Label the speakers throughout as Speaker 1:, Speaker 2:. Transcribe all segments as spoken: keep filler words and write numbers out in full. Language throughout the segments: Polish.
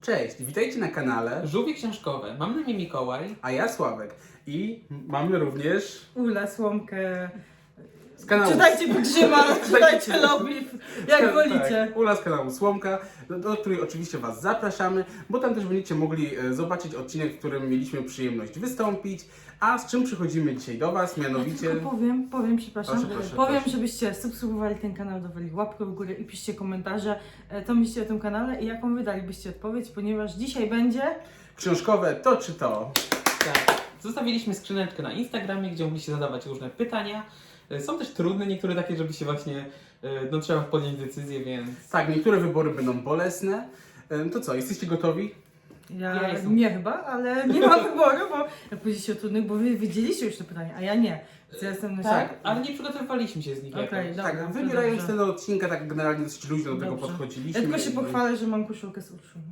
Speaker 1: Cześć, witajcie na kanale,
Speaker 2: Żółwie książkowe. Mam na imię Mikołaj.
Speaker 1: a ja Sławek. I mamy również
Speaker 3: Ula, Słomkę.
Speaker 1: z kanału...
Speaker 3: Czytajcie Pigrzyma, czytajcie Lobby, jak wolicie.
Speaker 1: Tak, Ula z kanału Słomka, do, do której oczywiście Was zapraszamy, bo tam też będziecie mogli e, zobaczyć odcinek, w którym mieliśmy przyjemność wystąpić. A z czym przychodzimy dzisiaj do Was, mianowicie...
Speaker 3: Ja tylko powiem, powiem, przepraszam,
Speaker 1: Proszę, proszę,
Speaker 3: powiem,
Speaker 1: proszę.
Speaker 3: żebyście subskrybowali ten kanał, dawali łapkę w górę i piszcie komentarze, e, co myślicie o tym kanale i jaką wy dalibyście odpowiedź, ponieważ dzisiaj będzie...
Speaker 1: Książkowe to czy to?
Speaker 2: Tak. Zostawiliśmy skrzyneczkę na Instagramie, gdzie mogliście zadawać różne pytania. Są też trudne, niektóre takie, żeby się właśnie, no trzeba podjąć decyzję, więc...
Speaker 1: Tak, niektóre wybory będą bolesne. E, To co, jesteście gotowi?
Speaker 3: Ja,
Speaker 2: Ja jestem.
Speaker 3: nie chyba, ale nie mam wyboru, bo jak powiedzieliście o trudnych, bo wy wiedzieliście już te pytania, a ja nie. Więc ja jestem na
Speaker 2: Tak,
Speaker 3: siebie.
Speaker 2: ale nie przygotowywaliśmy się z nich
Speaker 3: Okej,
Speaker 2: jakoś.
Speaker 3: dobra.
Speaker 1: tak,
Speaker 3: to
Speaker 1: wybierając
Speaker 3: dobrze.
Speaker 1: ten odcinka, tak generalnie dosyć luźno do tego
Speaker 3: Dobrze.
Speaker 1: podchodziliśmy.
Speaker 3: Ja tylko się
Speaker 1: i-
Speaker 3: pochwalę, że mam koszulkę z Urszulą.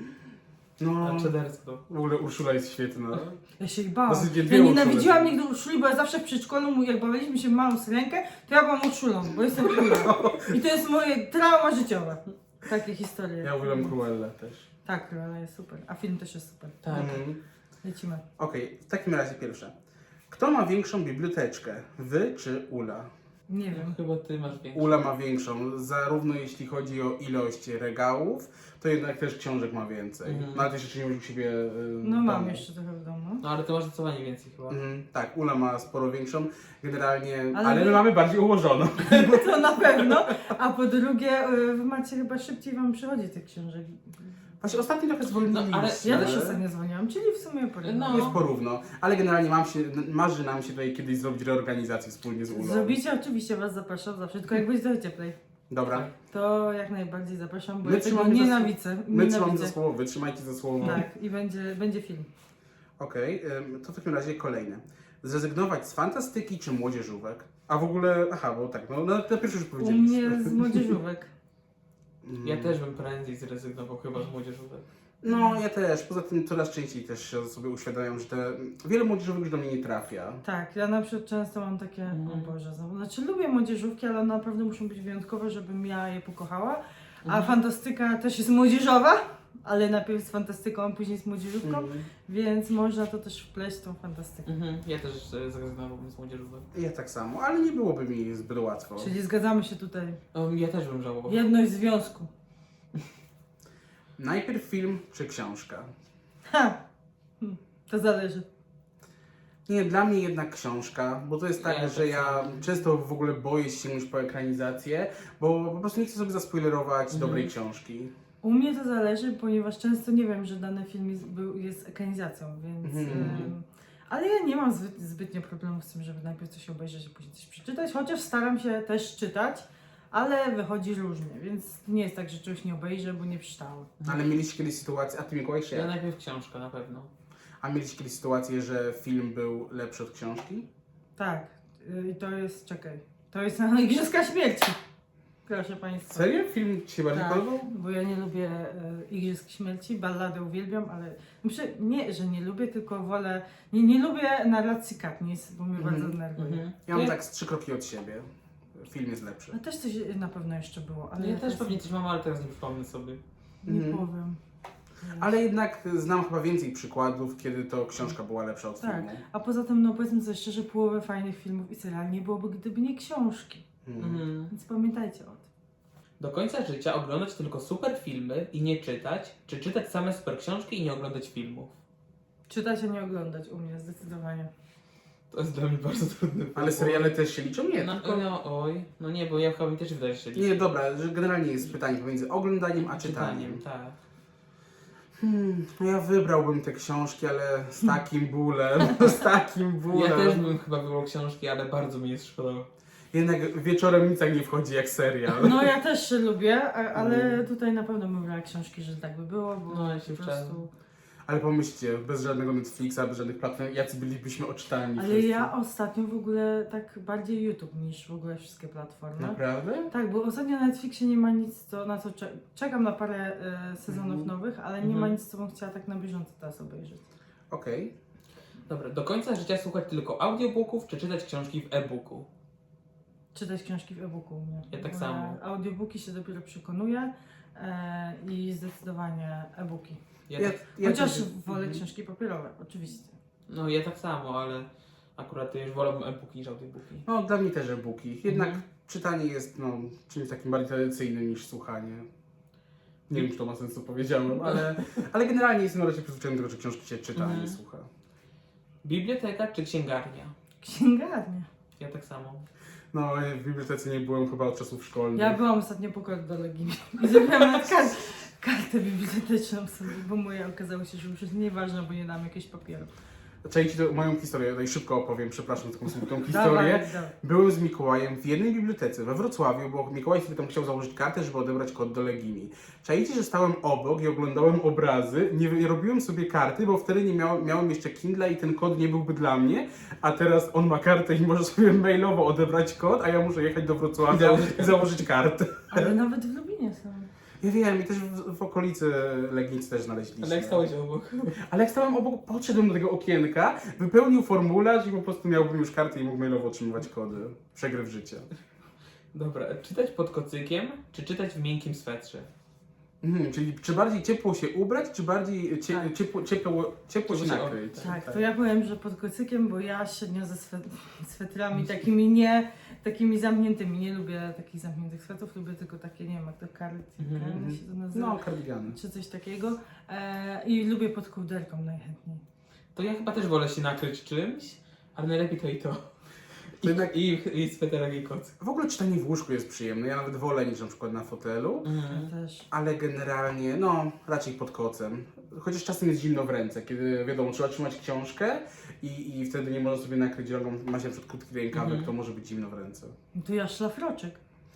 Speaker 1: No,
Speaker 2: A Czedersko.
Speaker 1: w ogóle Urszula jest świetna.
Speaker 3: Ja się ich bałam.
Speaker 1: Dosyć
Speaker 3: Ja
Speaker 1: dwie
Speaker 3: nienawidziłam
Speaker 1: Urszule.
Speaker 3: nigdy Urszuli, bo ja zawsze w przedszkolu, jak bawiliśmy się w małą syrenkę, to ja byłam Urszulą, bo jestem królem. I to jest moje trauma życiowe. Takie historie.
Speaker 1: Ja uwielbiam Cruella też.
Speaker 3: Tak, Cruella jest super. A film też jest super.
Speaker 2: Tak.
Speaker 1: Mhm.
Speaker 3: Lecimy.
Speaker 1: Okej, w takim razie pierwsze. Kto ma większą biblioteczkę? Wy czy Ula?
Speaker 3: Nie wiem.
Speaker 2: Chyba ty masz większy.
Speaker 1: Ula ma większą, zarówno jeśli chodzi o ilość regałów, to jednak też książek ma więcej.
Speaker 2: Mhm.
Speaker 1: No ale też jeszcze nie masz u siebie y,
Speaker 3: No
Speaker 1: w
Speaker 3: mam
Speaker 1: domu.
Speaker 3: jeszcze trochę w domu.
Speaker 2: No ale ty masz zdecydowanie więcej chyba.
Speaker 1: Mhm, tak, Ula ma sporo większą, generalnie, ale,
Speaker 3: Ale
Speaker 1: my
Speaker 3: wy-
Speaker 1: mamy bardziej ułożoną.
Speaker 3: To na pewno. A po drugie, y, wy macie chyba szybciej wam przychodzi tych książek.
Speaker 1: Właśnie ostatnio trochę zwolniliśmy.
Speaker 2: No, ale
Speaker 3: Ja też ostatnio dzwoniłam, czyli w sumie porówno.
Speaker 2: No.
Speaker 1: Jest porówno, ale generalnie mam się, marzy nam się tutaj kiedyś zrobić reorganizację wspólnie z Ulą.
Speaker 3: Zrobicie, oczywiście was zapraszam zawsze, tylko jak będzie trochę cieplej.
Speaker 1: Dobra,
Speaker 3: To jak najbardziej zapraszam, bo
Speaker 1: My
Speaker 3: ja tego
Speaker 1: trzymamy za
Speaker 3: nienawidzę.
Speaker 1: my trzymamy
Speaker 3: nienawidzę.
Speaker 1: za słowo, wy trzymajcie za słowo.
Speaker 3: Tak, i będzie, będzie film.
Speaker 1: Okej, ym, to w takim razie kolejne. Zrezygnować z fantastyki czy młodzieżówek? A w ogóle, aha, bo tak, no na, na pierwszy już
Speaker 3: U
Speaker 1: powiedzieliśmy.
Speaker 3: mnie z młodzieżówek.
Speaker 1: Mm.
Speaker 2: Ja też bym prędzej zrezygnował chyba z młodzieżówek.
Speaker 1: No, ja też. Poza tym coraz częściej też się sobie uświadamiam, że te, wiele młodzieżówek już do mnie nie trafia.
Speaker 3: Tak, ja na przykład często mam takie,
Speaker 2: Mhm.
Speaker 3: o Boże, znowu. Znaczy lubię młodzieżówki, ale one naprawdę muszą być wyjątkowe, żebym ja je pokochała. A
Speaker 2: Mhm.
Speaker 3: fantastyka też jest młodzieżowa, ale najpierw z fantastyką, a później z młodzieżówką,
Speaker 1: Mm.
Speaker 3: więc można to też wpleść w tą fantastykę.
Speaker 2: Mhm. Ja też e, zrezygnowałbym z młodzieżówek.
Speaker 1: Ja tak samo, ale nie byłoby mi zbyt łatwo.
Speaker 3: Czyli zgadzamy się tutaj.
Speaker 2: Um, ja też bym żałował.
Speaker 3: Jedność związku.
Speaker 1: Najpierw film czy książka?
Speaker 3: Ha! Hm, to zależy.
Speaker 1: Nie, dla mnie jednak książka, bo to jest tak,
Speaker 2: Ja
Speaker 1: że
Speaker 2: tak
Speaker 1: ja
Speaker 2: samo.
Speaker 1: często w ogóle boję się sięgnąć po ekranizację, bo po prostu nie chcę sobie zaspoilerować
Speaker 2: Mhm.
Speaker 1: dobrej książki.
Speaker 3: U mnie to zależy, ponieważ często nie wiem, że dany film jest, był, jest ekranizacją, więc...
Speaker 1: Mhm.
Speaker 3: em, ale ja nie mam zbyt, zbytnio problemów z tym, żeby najpierw coś obejrzeć, a później coś przeczytać, chociaż staram się też czytać, ale wychodzi różnie, więc nie jest tak, że czegoś nie obejrzę, bo nie przeczytałam.
Speaker 1: Ale mieliście kiedyś sytuację, a ty Mikołaj czy
Speaker 2: Ja
Speaker 1: ja?
Speaker 2: najpierw książka na pewno.
Speaker 1: A mieliście kiedyś sytuację, że film był lepszy od książki?
Speaker 3: Tak, y, i to jest, czekaj, to jest na Igrzyska Śmierci. Proszę Państwa.
Speaker 1: Serio? Film ci się bardziej
Speaker 3: Tak,
Speaker 1: podobał?
Speaker 3: bo ja nie lubię e, Igrzysk Śmierci, balladę uwielbiam, ale muszę, nie, że nie lubię, tylko wolę, nie, nie lubię narracji Katniss, bo mnie
Speaker 1: Mhm,
Speaker 3: bardzo denerwuje.
Speaker 2: Mhm.
Speaker 1: Ja mam
Speaker 2: ja,
Speaker 1: tak z trzy kroki od siebie. Film jest lepszy.
Speaker 3: A też coś na pewno jeszcze było, ale
Speaker 2: ja też
Speaker 3: teraz
Speaker 2: pewnie coś mam, ale teraz nie przypomnę sobie.
Speaker 3: nie
Speaker 1: Mhm.
Speaker 3: powiem.
Speaker 1: Ale jednak znam chyba więcej przykładów, kiedy to książka była lepsza od
Speaker 3: Tak,
Speaker 1: filmu.
Speaker 3: a poza tym, no powiedzmy sobie szczerze, połowę fajnych filmów i seriali nie byłoby, gdyby nie książki.
Speaker 1: Mhm.
Speaker 2: Mhm.
Speaker 3: Więc pamiętajcie o tym.
Speaker 2: Do końca życia oglądać tylko super filmy i nie czytać, czy czytać same super książki i nie oglądać filmów?
Speaker 3: Czytać, a nie oglądać u mnie zdecydowanie.
Speaker 2: To jest dla mnie bardzo trudne.
Speaker 1: Ale seriale też się liczą? Nie,
Speaker 2: No,
Speaker 1: tylko...
Speaker 2: no oj, no nie, bo ja chyba mi też wydaje się
Speaker 1: Nie, dobra, że generalnie jest pytanie pomiędzy oglądaniem a czytaniem.
Speaker 2: tak.
Speaker 1: Hmm, no ja wybrałbym te książki, ale z takim bólem, z takim bólem.
Speaker 2: Ja też bym chyba wybrał książki, ale bardzo mi jest szkoda.
Speaker 1: Jednak wieczorem nic tak nie wchodzi jak serial.
Speaker 3: No ja też lubię, a- ale
Speaker 1: Mm.
Speaker 3: tutaj na pewno bym brała książki, że tak by było, bo
Speaker 2: No, ja się
Speaker 3: po prostu...
Speaker 1: Ale pomyślcie, bez żadnego Netflixa, bez żadnych platform, jacy bylibyśmy oczytani
Speaker 3: Ale
Speaker 1: wszyscy.
Speaker 3: ja ostatnio w ogóle tak bardziej YouTube niż w ogóle wszystkie platformy.
Speaker 1: Naprawdę?
Speaker 3: Tak, bo ostatnio na Netflixie nie ma nic, co, na co cze- czekam na parę e, sezonów
Speaker 1: Mhm.
Speaker 3: nowych, ale nie
Speaker 2: Mhm.
Speaker 3: ma nic, co bym chciała tak na bieżąco teraz obejrzeć.
Speaker 1: Okej.
Speaker 2: Dobra, do końca życia słuchać tylko audiobooków, czy czytać książki w e-booku?
Speaker 3: Czytać książki w e-booku u mnie.
Speaker 2: Ja tak
Speaker 3: Bo
Speaker 2: samo.
Speaker 3: Audiobooki się dopiero przekonuję. e, i zdecydowanie e-booki.
Speaker 2: Ja
Speaker 1: Ja,
Speaker 2: tak,
Speaker 1: ja
Speaker 3: Chociaż
Speaker 1: też-
Speaker 3: wolę
Speaker 1: mhm.
Speaker 3: książki papierowe, oczywiście.
Speaker 2: no ja tak samo, ale akurat ja już wolę e-booki niż audiobooki.
Speaker 1: No, dla mnie też e-booki. Jednak
Speaker 2: Mhm.
Speaker 1: czytanie jest no, czymś takim bardziej tradycyjnym niż słuchanie. Nie wiem, czy to ma sens, co powiedziałem, ale, ale generalnie jestem na razie przyzwyczajony do tego, że książki się czyta, a nie
Speaker 2: Mhm.
Speaker 1: słucha.
Speaker 2: Biblioteka czy księgarnia?
Speaker 3: Księgarnia.
Speaker 2: Ja tak samo.
Speaker 1: No, w bibliotece nie byłem chyba od czasów szkolnych.
Speaker 3: Ja byłam ostatnio po kardiologii i zrobiłam nawet kar kartę biblioteczną sobie, bo moja okazało się, że już jest nieważne, bo nie dam jakiegoś papieru.
Speaker 1: Czekajcie, to moją historię, tutaj szybko opowiem, przepraszam za taką smutną historię.
Speaker 3: Dawaj, dawaj.
Speaker 1: Byłem z Mikołajem w jednej bibliotece we Wrocławiu, bo Mikołaj sobie tam chciał założyć kartę, żeby odebrać kod do Legimi. Czajcie, że stałem obok i oglądałem obrazy, nie, nie robiłem sobie karty, bo wtedy nie miał, miałem jeszcze Kindle i ten kod nie byłby dla mnie, a teraz on ma kartę i może sobie mailowo odebrać kod, a ja muszę jechać do Wrocławia
Speaker 2: Założyć
Speaker 1: i
Speaker 2: kartę.
Speaker 1: założyć kartę.
Speaker 3: Ale nawet w Lubinie są.
Speaker 1: Ja wiem, i też w, w okolicy Legnicy też znaleźliśmy.
Speaker 2: Ale jak stałeś obok?
Speaker 1: Ale jak stałem obok, podszedłem do tego okienka, wypełnił formularz i po prostu miałbym już kartę i mógł mailowo otrzymywać kody. Przegryw życia.
Speaker 2: Dobra, czytać pod kocykiem, czy czytać w miękkim swetrze?
Speaker 1: Mhm, czyli czy bardziej ciepło się ubrać, czy bardziej cie,
Speaker 3: Tak.
Speaker 1: ciepło, ciepło, ciepło się
Speaker 2: Ciepło się
Speaker 1: nakryć?
Speaker 2: ob-
Speaker 3: Tak, to ja powiem, że pod kocykiem, bo ja średnio ze swet swetrami takimi nie, takimi zamkniętymi, nie lubię takich zamkniętych swetrów, lubię tylko takie, nie wiem jak to cardigan
Speaker 2: Mhm.
Speaker 3: się to nazywa,
Speaker 1: No, kardigany.
Speaker 3: czy coś takiego e, i lubię pod kołderką najchętniej.
Speaker 2: To ja chyba też wolę się nakryć czymś, ale najlepiej to i to. I,
Speaker 1: To jednak-
Speaker 2: i, i sweterek i kocyk.
Speaker 1: W ogóle czytanie w łóżku jest przyjemne, ja nawet wolę niż na przykład na fotelu,
Speaker 3: Ja
Speaker 2: Mhm.
Speaker 3: też.
Speaker 1: ale generalnie, no, raczej pod kocem. Chociaż czasem jest zimno w ręce, kiedy wiadomo, trzeba trzymać książkę i, i wtedy nie można sobie nakryć ręką, ma się na przykład krótki rękawek,
Speaker 2: Mhm.
Speaker 1: to może być zimno w ręce.
Speaker 3: No to ja szlafroczek.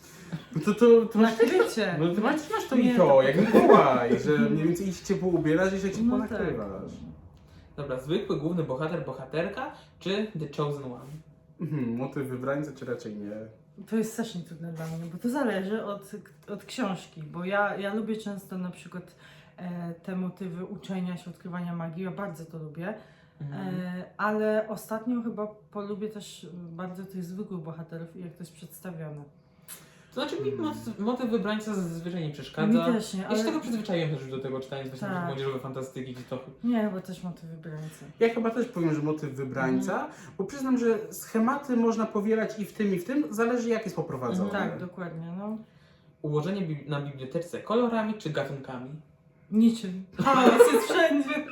Speaker 1: No to, to, to masz,
Speaker 3: Nakrycie.
Speaker 1: no, ty masz, masz to
Speaker 3: Nie,
Speaker 1: i to,
Speaker 3: to-
Speaker 1: jak Mikołaj, że mniej więcej iść ciepło ubierasz i się ciepło
Speaker 3: No tak.
Speaker 1: nakrywasz.
Speaker 2: Dobra, zwykły główny bohater, bohaterka, czy The Chosen One?
Speaker 1: Mhm, motyw wybrańca czy raczej nie?
Speaker 3: To jest strasznie trudne dla mnie, bo to zależy od, od książki, bo ja, ja lubię często na przykład e, te motywy uczenia się, odkrywania magii, ja bardzo to lubię,
Speaker 2: Mhm.
Speaker 3: e, ale ostatnio chyba polubię też bardzo tych zwykłych bohaterów i jak to jest przedstawione.
Speaker 2: To znaczy mi motyw, motyw wybrańca zazwyczaj nie
Speaker 3: Mi
Speaker 2: przeszkadza.
Speaker 3: też nie,
Speaker 2: Ja
Speaker 3: ale
Speaker 2: się tego przyzwyczaiłem też już do tego czytania właśnie
Speaker 3: Tak.
Speaker 2: młodzieżowe fantastyki, gdzie to...
Speaker 3: nie, chyba też motywy wybrańcy.
Speaker 1: Ja chyba też powiem, że motyw wybrańca, bo przyznam, że schematy można powielać i w tym, i w tym, zależy jak jest poprowadzone.
Speaker 2: Mhm.
Speaker 3: Tak, dokładnie, no.
Speaker 2: Ułożenie bi- na bibliotece kolorami czy gatunkami?
Speaker 3: Niczym. Chaos jest wszędzie.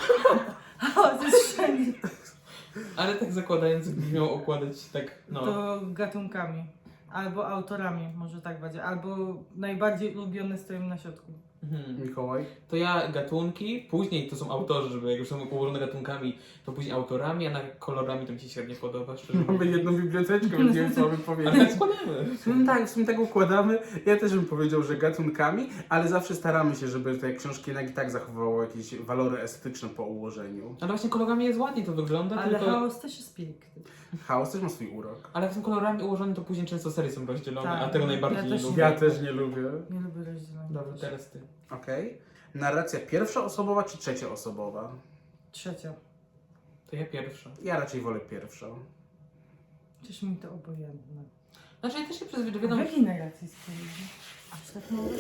Speaker 3: Chaos jest wszędzie.
Speaker 2: Ale tak zakładając, gdyby miał okładać tak, no...
Speaker 3: To gatunkami. Albo autorami, może tak będzie. Albo najbardziej ulubione stoją na środku.
Speaker 2: Mhm.
Speaker 1: Mikołaj?
Speaker 2: To ja gatunki, później to są autorzy, żeby jak już są ułożone gatunkami, to później autorami, a na kolorami to mi się średnio podoba, szczerze
Speaker 1: Mamy
Speaker 2: mówiąc.
Speaker 1: jedną biblioteczkę, więc nie wiem co mamy
Speaker 2: Ale
Speaker 1: powiedzieć.
Speaker 2: tak składamy.
Speaker 1: W sumie tak, w sumie tak układamy. Ja też bym powiedział, że gatunkami, ale zawsze staramy się, żeby te książki jednak i tak zachowywały jakieś walory estetyczne po ułożeniu.
Speaker 2: Ale właśnie kolorami jest ładniej to wygląda,
Speaker 3: Ale
Speaker 2: tylko...
Speaker 3: chaos też jest piękny.
Speaker 1: Chaos też ma swój urok.
Speaker 2: Ale jak są kolorami ułożone, to później często serie są rozdzielone,
Speaker 3: Tak.
Speaker 2: a tego najbardziej
Speaker 3: Ja
Speaker 2: nie
Speaker 3: też
Speaker 2: lubię.
Speaker 1: Ja też nie lubię.
Speaker 3: Nie lubię rozdzielania.
Speaker 2: Dobra, teraz ty.
Speaker 1: Okej. Narracja pierwszoosobowa czy trzecioosobowa?
Speaker 3: Trzecia.
Speaker 2: To ja pierwsza.
Speaker 1: Ja raczej wolę pierwszą.
Speaker 3: Przecież mi to obojętne.
Speaker 2: Znaczy ja też się przyzwyczaiłem,
Speaker 3: W
Speaker 2: wiadomo...
Speaker 3: jakiej narracji spojrzy? Aż tak mało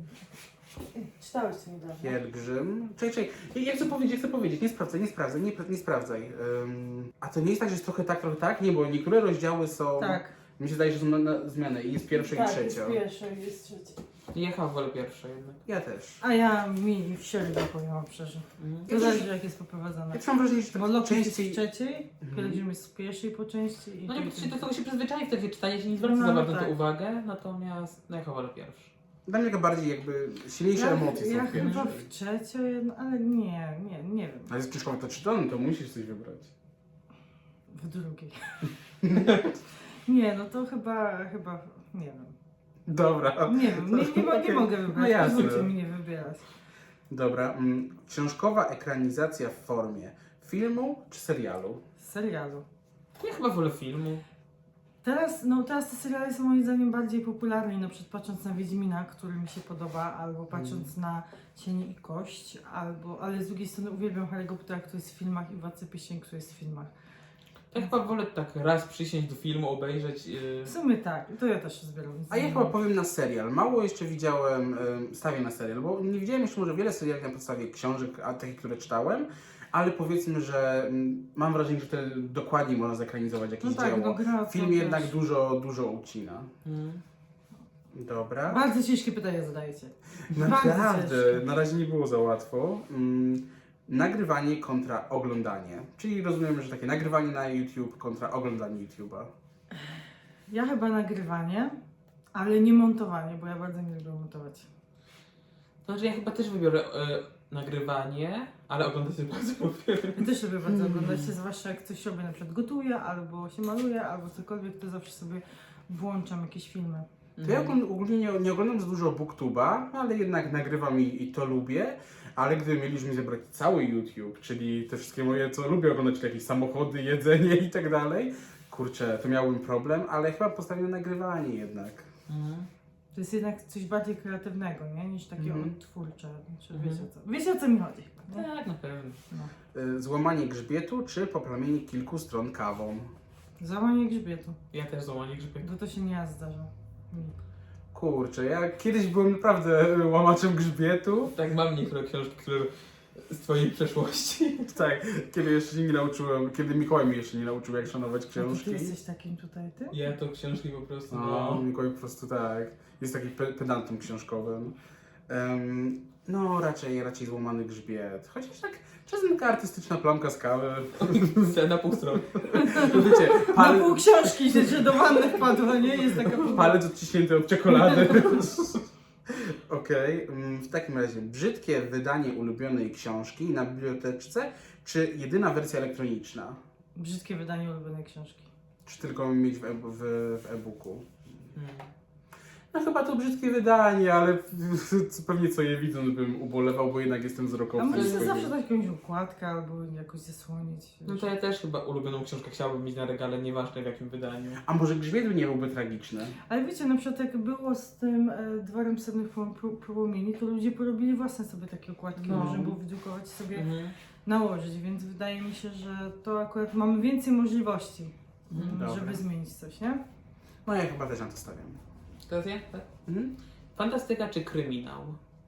Speaker 3: Czytałeś to niedawno?
Speaker 1: Pielgrzym. Czekaj, czekaj. Ja, ja chcę powiedzieć, chcę powiedzieć. Nie sprawdzaj, nie sprawdzaj, nie, nie sprawdzaj. Ym, a to nie jest tak, że jest trochę tak, trochę tak? Nie, bo niektóre rozdziały są...
Speaker 3: Tak.
Speaker 1: Mi się zdaje, że są na, na zmianę i jest pierwsza
Speaker 3: tak,
Speaker 1: i trzecia.
Speaker 3: jest pierwsza i jest trzecia.
Speaker 2: Ja chyba wolę pierwsza jednak.
Speaker 1: Ja też.
Speaker 3: A ja mi w średnio powiem wam szczerze.
Speaker 2: Mhm.
Speaker 3: To zależy jak jest poprowadzone.
Speaker 1: Ja też mam wrażenie, że tak
Speaker 3: Bo Loki jest
Speaker 1: częściej...
Speaker 3: w trzeciej,
Speaker 1: Mhm.
Speaker 3: Pielgrzym jest w pierwszej po części i
Speaker 2: No nie, bo
Speaker 3: Pielgrzym-
Speaker 2: się do tego się przyzwyczai w trakcie czytania, się nie zwraca
Speaker 3: No,
Speaker 2: za bardzo na
Speaker 3: tak.
Speaker 2: to uwagę, natomiast no ja chyba wolę pierwszy.
Speaker 1: Dla mnie taka bardziej jakby silniejsze emocje
Speaker 3: ja
Speaker 1: są w
Speaker 3: chyba
Speaker 1: pierwszej.
Speaker 3: w trzeciej, no, ale nie, nie, nie wiem.
Speaker 1: Ale jest książkowa to czytany, to musisz coś wybrać.
Speaker 3: W drugiej. nie, no to chyba, chyba, nie wiem.
Speaker 1: Dobra.
Speaker 3: Nie wiem, nie, nie, mo- nie
Speaker 1: Okej.
Speaker 3: mogę wybrać,
Speaker 1: No jasne.
Speaker 3: pozwólcie mi nie wybierać.
Speaker 1: Dobra. Mm, książkowa ekranizacja w formie filmu czy serialu?
Speaker 3: Z serialu.
Speaker 2: Ja chyba wolę filmu.
Speaker 3: Teraz, no teraz te seriale są moim zdaniem bardziej popularne, i na przykład patrząc na Wiedźmina, który mi się podoba, albo patrząc na Cień i Kość, albo, ale z drugiej strony uwielbiam Harry'ego Pottera, który jest w filmach, i Władcę Pierścieni, który jest w filmach.
Speaker 2: Ja chyba wolę tak raz przysiąść do filmu, obejrzeć. Yy...
Speaker 3: W sumie tak, to ja też się zbieram.
Speaker 1: A ja chyba powiem na serial. Mało jeszcze widziałem, em, stawię na serial, bo nie widziałem jeszcze może wiele seriali na podstawie książek, a takich, które czytałem, ale powiedzmy, że mm, mam wrażenie, że wtedy dokładniej można zekranizować jakieś
Speaker 3: No tak,
Speaker 1: dzieło.
Speaker 3: no gra to
Speaker 1: Film
Speaker 3: też.
Speaker 1: jednak dużo, dużo ucina.
Speaker 2: Mm.
Speaker 1: Dobra.
Speaker 3: Bardzo ciężkie pytania zadajecie.
Speaker 1: Naprawdę,
Speaker 3: ciężkie.
Speaker 1: na razie nie było za łatwo. Mm, nagrywanie kontra oglądanie. Czyli rozumiem, że takie nagrywanie na YouTube kontra oglądanie YouTube'a.
Speaker 3: Ja chyba nagrywanie, ale nie montowanie, bo ja bardzo nie lubię montować.
Speaker 2: Znaczy ja chyba też wybiorę yy, nagrywanie, ale oglądać też bardzo lubię.
Speaker 3: Ja też lubię bardzo oglądać, zwłaszcza jak coś robię, na przykład gotuję, albo się maluję, albo cokolwiek, to zawsze sobie włączam jakieś filmy.
Speaker 1: To ja ogólnie ogólnie nie, nie oglądam za dużo booktuba, ale jednak nagrywam i, i to lubię. Ale gdyby mieliśmy zebrać cały YouTube, czyli te wszystkie moje, co lubię oglądać, czyli jakieś samochody, jedzenie i tak dalej, kurczę, to miałbym problem, ale chyba postawię na nagrywanie jednak.
Speaker 2: Mhm.
Speaker 3: To jest jednak coś bardziej kreatywnego, nie? Niż takie
Speaker 1: Mhm.
Speaker 3: odtwórcze. Znaczy,
Speaker 2: Mhm.
Speaker 3: wiecie, o co, wiecie o co mi chodzi chyba, nie?
Speaker 2: Tak, na pewno.
Speaker 3: No.
Speaker 1: Y, Złamanie grzbietu czy poplamienie kilku stron kawą?
Speaker 3: Załamanie grzbietu,
Speaker 2: Ja też złamanie grzbietu.
Speaker 3: bo to się nie raz zdarza. Mi.
Speaker 1: Kurczę, ja kiedyś byłem naprawdę łamaczem grzbietu.
Speaker 2: Tak, mam niektóre książki, które z twojej przeszłości.
Speaker 1: Tak, kiedy jeszcze się nie nauczyłem, kiedy Mikołaj mnie jeszcze nie nauczył, jak szanować
Speaker 3: A to
Speaker 1: książki.
Speaker 3: ty jesteś takim tutaj, ty?
Speaker 2: Ja to książki po prostu,
Speaker 1: No,
Speaker 2: no.
Speaker 1: Mikołaj po prostu tak, jest taki pe pedantem książkowym. Em, no, raczej, raczej złamany grzbiet. Chociaż tak, czasem taka artystyczna plamka z kawy.
Speaker 2: Na pół strony.
Speaker 1: No wiecie,
Speaker 3: Na
Speaker 1: pal
Speaker 3: pół książki się że do wanny wpadła, nie? Jest taka pół...
Speaker 1: palec odciśnięty od czekolady. Okej, mm, w takim razie, brzydkie wydanie ulubionej książki na biblioteczce, czy jedyna wersja elektroniczna?
Speaker 3: Brzydkie wydanie ulubionej książki.
Speaker 1: Czy tylko mieć w e- w- w e-booku?
Speaker 2: Hmm.
Speaker 1: No chyba to brzydkie wydanie, ale pewnie co je widząc bym ubolewał, bo jednak jestem
Speaker 3: A
Speaker 1: wzrokowcem.
Speaker 3: może
Speaker 1: swojego-
Speaker 3: zawsze dać jakąś układkę albo jakoś zasłonić.
Speaker 2: No to ja też chyba ulubioną książkę chciałabym mieć na regale, nieważne w jakim wydaniu.
Speaker 1: A może grzbiet nie byłby tragiczny?
Speaker 3: Ale wiecie, na przykład jak było z tym e, dworem sennych płomieni, to ludzie porobili własne sobie takie układki,
Speaker 2: No.
Speaker 3: można było wydrukować sobie,
Speaker 2: Mhm.
Speaker 3: nałożyć, więc wydaje mi się, że to akurat mamy więcej możliwości,
Speaker 2: Mhm.
Speaker 3: m,
Speaker 1: Dobra.
Speaker 3: żeby zmienić coś, nie?
Speaker 1: No ja chyba też na to stawiam.
Speaker 2: Teraz ja? Tak.
Speaker 1: Mhm.
Speaker 2: Fantastyka czy kryminał?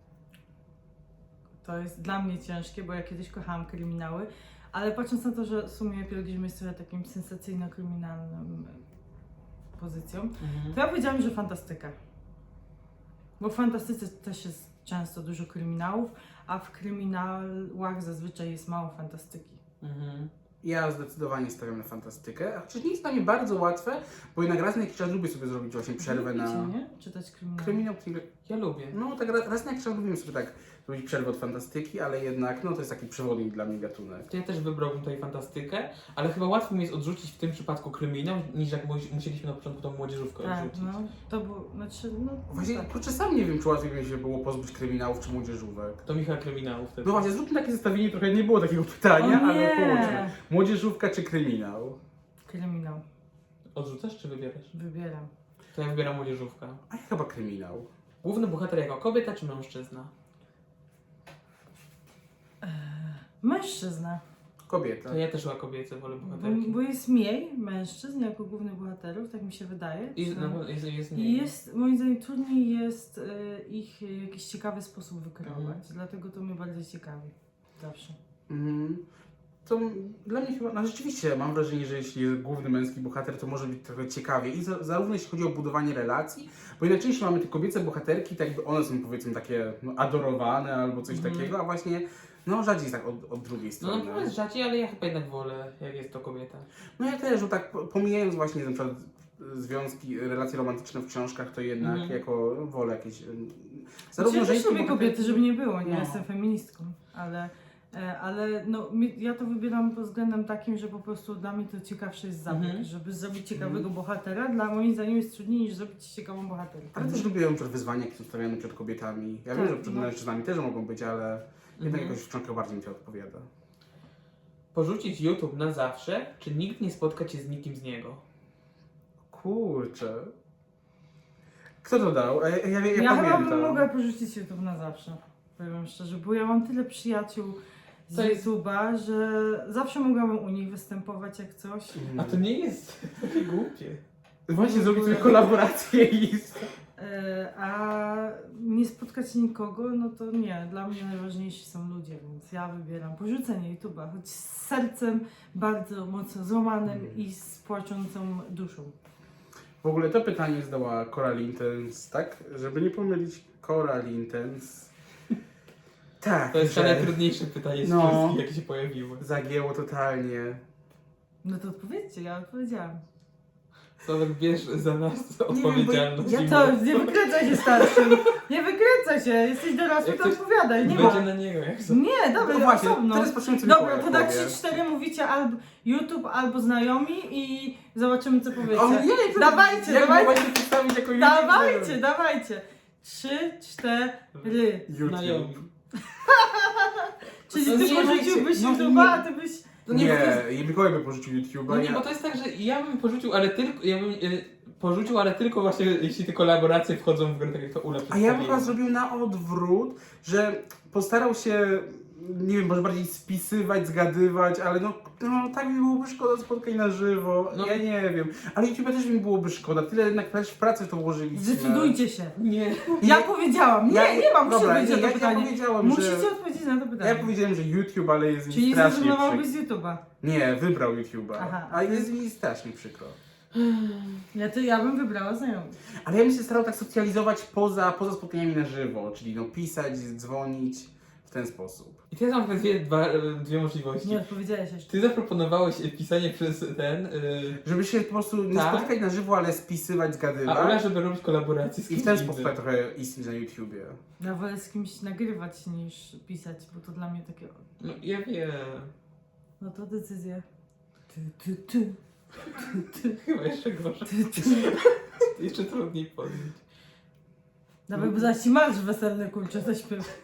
Speaker 3: To jest dla mnie ciężkie, bo ja kiedyś kochałam kryminały, ale patrząc na to, że w sumie pielgrzym jest trochę takim sensacyjno-kryminalnym e, pozycją,
Speaker 2: Mhm.
Speaker 3: to ja powiedziałam, że fantastyka. Bo w fantastyce też jest często dużo kryminałów, a w kryminałach zazwyczaj jest mało fantastyki.
Speaker 2: Mhm.
Speaker 1: Ja zdecydowanie stawiam na fantastykę, a chociaż nie jest dla mnie bardzo łatwe, bo jednak raz na jakiś czas lubię sobie zrobić właśnie przerwę
Speaker 3: Lubicie,
Speaker 1: na
Speaker 3: nie? Czytać kryminały.
Speaker 1: kryminał, thriller.
Speaker 2: Ja lubię.
Speaker 1: No tak raz, raz na jakiś czas lubimy sobie tak zrobić przerwę od fantastyki, ale jednak no to jest taki przewodnik dla mnie gatunek.
Speaker 2: To ja też wybrałbym tutaj fantastykę, ale chyba łatwo mi jest odrzucić w tym przypadku kryminał, niż jak mu- musieliśmy na początku tą młodzieżówkę
Speaker 3: Tak,
Speaker 2: odrzucić.
Speaker 3: no. To było, znaczy, no,
Speaker 1: Właśnie,
Speaker 3: tak.
Speaker 1: kurczę, sam nie wiem, czy łatwiej by mi się było pozbyć kryminałów czy młodzieżówek.
Speaker 2: To Michał kryminału wtedy.
Speaker 1: No właśnie, zróbmy takie zestawienie, trochę nie było takiego pytania,
Speaker 3: O
Speaker 1: ale
Speaker 3: nie!
Speaker 1: połączmy. Młodzieżówka czy kryminał?
Speaker 3: Kryminał.
Speaker 2: Odrzucasz czy wybierasz?
Speaker 3: Wybieram.
Speaker 2: To ja wybieram młodzieżówkę.
Speaker 1: A ja chyba kryminał.
Speaker 2: Główny bohater jako kobieta czy mężczyzna?
Speaker 3: Mężczyzna.
Speaker 1: Kobieta.
Speaker 2: To ja też chyba kobiece wolę
Speaker 3: Bo,
Speaker 2: bohaterki.
Speaker 3: bo jest mniej mężczyzn jako głównych bohaterów, tak mi się wydaje.
Speaker 2: I
Speaker 3: Czy-
Speaker 2: na pewno jest, jest
Speaker 3: I
Speaker 2: mniej.
Speaker 3: jest, moim zdaniem, trudniej jest e, ich w jakiś ciekawy sposób wykreować.
Speaker 2: Mhm.
Speaker 3: Dlatego to mnie bardziej ciekawi. Zawsze.
Speaker 1: Mhm. To m- dla mnie chyba, no rzeczywiście mam wrażenie, że jeśli jest główny męski bohater, to może być trochę ciekawie. I za, zarówno jeśli chodzi o budowanie relacji, bo jednak częściej mamy te kobiece bohaterki, tak jakby one są powiedzmy takie no, adorowane albo coś
Speaker 2: Mhm.
Speaker 1: takiego, a właśnie no rzadziej jest tak od, od drugiej
Speaker 2: No
Speaker 1: strony.
Speaker 2: na pewno jest rzadziej, ale ja chyba jednak wolę, jak jest to kobieta.
Speaker 1: No ja też, bo tak po- pomijając właśnie na przykład związki, relacje romantyczne w książkach, to jednak
Speaker 2: Mhm.
Speaker 1: jako wolę jakieś... ym,
Speaker 3: Znaczy, ja też
Speaker 1: żeńskie
Speaker 3: lubię kobiety, żeby nie było, nie?
Speaker 1: No.
Speaker 3: Jestem feministką, ale, e, ale no, mi- ja to wybieram pod względem takim, że po prostu dla mnie to ciekawsze jest zabieg.
Speaker 2: Mhm.
Speaker 3: Żeby zrobić ciekawego bohatera, dla moim zdaniem jest trudniej niż zrobić ciekawą bohaterkę.
Speaker 1: Ale też lubię przed wyzwania, jakie są stawiane przed kobietami. Ja wiem,
Speaker 3: Tak,
Speaker 1: że przed
Speaker 3: no.
Speaker 1: mężczyznami też mogą być, ale jednak
Speaker 2: Mhm.
Speaker 1: jakoś w książkach bardziej mi to odpowiada.
Speaker 2: Porzucić YouTube na zawsze, czy nikt nie spotka cię z nikim z niego?
Speaker 1: Kurczę. Kto to dał? Ja, ja, ja, ja
Speaker 3: Ja chyba
Speaker 1: pamiętam.
Speaker 3: bym mogła porzucić YouTube na zawsze, powiem szczerze, bo ja mam tyle przyjaciół z
Speaker 2: To jest-
Speaker 3: YouTube'a, że zawsze mogłabym u nich występować jak coś.
Speaker 2: A to nie jest takie głupie.
Speaker 1: Właśnie zrobić sobie kolaborację i...
Speaker 3: E, a nie spotkać nikogo, no to nie. Dla mnie najważniejsi są ludzie, więc ja wybieram porzucenie YouTube'a, choć z sercem bardzo mocno złamanym
Speaker 1: Mm.
Speaker 3: i z płaczącą duszą.
Speaker 1: W ogóle to pytanie zdała Coral Intense, tak? Żeby nie pomylić Coral Intense. Tak,
Speaker 2: To jest
Speaker 1: że
Speaker 2: najtrudniejsze pytanie z
Speaker 1: No.
Speaker 2: wszystkich, jakie się pojawiły.
Speaker 1: zagięło totalnie.
Speaker 3: No to odpowiedzcie, ja odpowiedziałam.
Speaker 2: Sławek, bierz za nas
Speaker 1: bo
Speaker 2: odpowiedzialność.
Speaker 1: ja
Speaker 2: i
Speaker 3: To
Speaker 2: mów.
Speaker 3: nie wykręcaj się starszym. Nie wykręcaj się, jesteś dorosły,
Speaker 2: Jak
Speaker 3: to
Speaker 2: coś
Speaker 3: odpowiadaj. Nie
Speaker 2: Będzie
Speaker 3: ma.
Speaker 2: na niego, jak to.
Speaker 3: Nie, dobra,
Speaker 1: No właśnie,
Speaker 3: osobno.
Speaker 1: teraz patrzymy co
Speaker 3: Dobra,
Speaker 1: Mikołaj
Speaker 3: to tak
Speaker 1: powie.
Speaker 3: trzy cztery mówicie albo YouTube, albo znajomi i zobaczymy co powiecie.
Speaker 1: O nie, to
Speaker 3: Dawajcie,
Speaker 1: jak
Speaker 3: dawajcie.
Speaker 1: mogłaś się przedstawić jako
Speaker 3: Dawajcie, dawajcie. Trzy, cztery.
Speaker 1: YouTube.
Speaker 2: Znajomi.
Speaker 3: Czyli
Speaker 2: No
Speaker 3: ty
Speaker 2: nie,
Speaker 3: porzuciłbyś
Speaker 1: no
Speaker 3: YouTube'a, a ty byś...
Speaker 2: To nie, bo to jest,
Speaker 1: Nie, i Mikołaj by porzucił YouTube'a.
Speaker 2: no nie,
Speaker 1: ja...
Speaker 2: bo to jest tak, że ja bym porzucił, ale tylko, ja bym y, porzucił, ale tylko właśnie jeśli te kolaboracje wchodzą w grę, tak jak to Ula
Speaker 1: A ja bym
Speaker 2: przedstawiła.
Speaker 1: chyba zrobił na odwrót, że postarał się, nie wiem, może bardziej spisywać, zgadywać, ale no, no tak mi byłoby szkoda spotkań na żywo,
Speaker 2: No.
Speaker 1: ja nie wiem. Ale YouTube'a też mi byłoby szkoda, tyle jednak też w pracy w to włożyliśmy.
Speaker 3: Zdecydujcie się.
Speaker 2: Nie.
Speaker 3: Ja powiedziałam. Nie,
Speaker 1: Ja-
Speaker 3: nie mam, muszę
Speaker 1: dobra,
Speaker 3: odpowiedzieć
Speaker 1: nie,
Speaker 3: na to
Speaker 1: ja, ja
Speaker 3: pytanie.
Speaker 1: powiedziałem,
Speaker 3: Musicie
Speaker 1: że...
Speaker 3: odpowiedzieć na to
Speaker 1: Ja
Speaker 3: pytanie.
Speaker 1: powiedziałem, że YouTube, ale jest mi
Speaker 3: Czyli
Speaker 1: strasznie
Speaker 3: zrezygnowałbyś
Speaker 1: przykro.
Speaker 3: z YouTube'a.
Speaker 1: Nie, wybrał YouTube'a,
Speaker 3: Aha.
Speaker 1: a jest mi strasznie przykro.
Speaker 3: Ja, to, ja bym wybrała znajomych.
Speaker 1: Ale ja bym się starał tak socjalizować poza, poza spotkaniami na żywo, czyli no pisać, dzwonić w ten sposób.
Speaker 2: I teraz mam dwie, dwa, dwie możliwości.
Speaker 3: Nie odpowiedziałeś jeszcze.
Speaker 2: Ty zaproponowałeś pisanie przez ten, y,
Speaker 1: Żeby się po prostu nie
Speaker 2: Tak.
Speaker 1: spotykać na żywo, ale spisywać,
Speaker 2: a
Speaker 1: zgadywać.
Speaker 2: Ula, żeby robić kolaboracje z
Speaker 1: I
Speaker 2: kimś
Speaker 1: w ten
Speaker 2: innym.
Speaker 1: sposób tak trochę istnieć na YouTubie.
Speaker 3: Ja wolę z kimś nagrywać niż pisać, bo to dla mnie takie...
Speaker 2: No ja wiem.
Speaker 3: No to decyzja. Ty, ty, ty.
Speaker 2: Chyba jeszcze gorzej.
Speaker 3: ty, ty.
Speaker 2: Jeszcze trudniej podjąć.
Speaker 3: Dawaj, bo zaś ci marsz weselny, kurczę, zaśpiew.